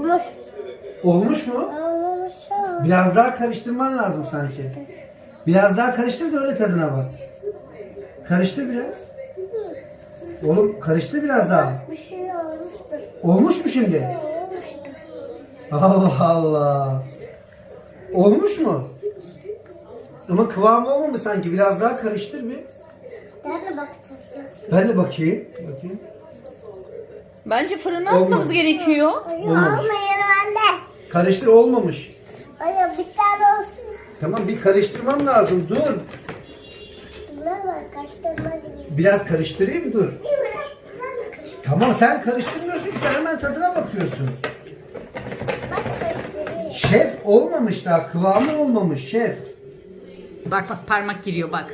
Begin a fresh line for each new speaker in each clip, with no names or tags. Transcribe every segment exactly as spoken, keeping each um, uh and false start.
Olmuş.
Olmuş mu?
Olmuş.
Biraz daha karıştırman lazım sanki. Biraz daha karıştır da öyle tadına bak. Karıştır biraz. Oğlum karıştır biraz daha.
Bir şey olmuştur.
Olmuş mu şimdi?
Olmuştur.
Allah Allah. Olmuş mu? Ama kıvamı olmamış sanki. Biraz daha karıştır bir.
Nerede bakacağız?
Ben de bakayım. Bakayım.
Bence fırına
Olmadı.
atmamız gerekiyor.
Hayır
Olmamış.
olmuyor anne.
Karıştır, olmamış.
Hayır bir tane olsun.
Tamam, bir karıştırmam lazım. Dur.
Buna bak kaçtırmacı bir.
Biraz karıştırayım, dur.
Bir biraz ben de kaçtırayım.
Tamam, sen karıştırmıyorsun ki, sen hemen tadına bakıyorsun.
Bak kaçtırayım.
Şef olmamış daha. Kıvamı olmamış şef.
Bak bak parmak giriyor bak.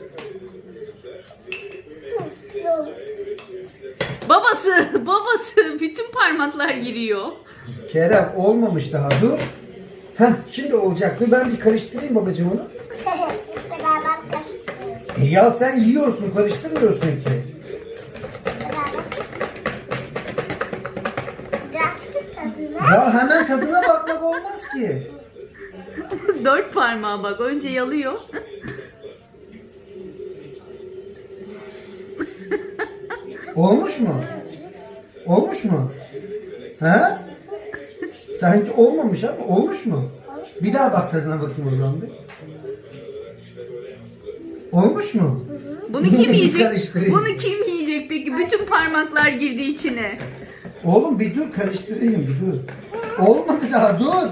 Dur.
Babası, babası bütün parmaklar giriyor.
Kerem olmamış daha. Dur. Heh, şimdi olacak. Dur, ben bir karıştırayım babacığım onu.
Beraber kaçtırıyoruz.
E ya sen yiyorsun, karıştırmıyorsun ki.
Beraber. Biraz tadına.
Ya hemen tadına bakmak olmaz ki.
Dört parmağı bak önce yalıyor.
Olmuş mu? Olmuş mu? He? Sanki olmamış ama olmuş mu? Bir daha bak tadına bakayım o zaman bir. Olmuş mu?
Bunu
Yine
kim
bir
yiyecek?
karıştırayım.
Bunu kim yiyecek peki? Bütün parmaklar girdi içine.
Oğlum bir dur, karıştırayım bir dur. Olmadı daha, dur.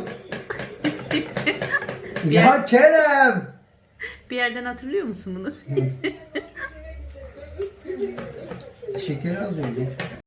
Ya Kerem.
Bir yerden hatırlıyor musun bunu?
Şekeri alacağım.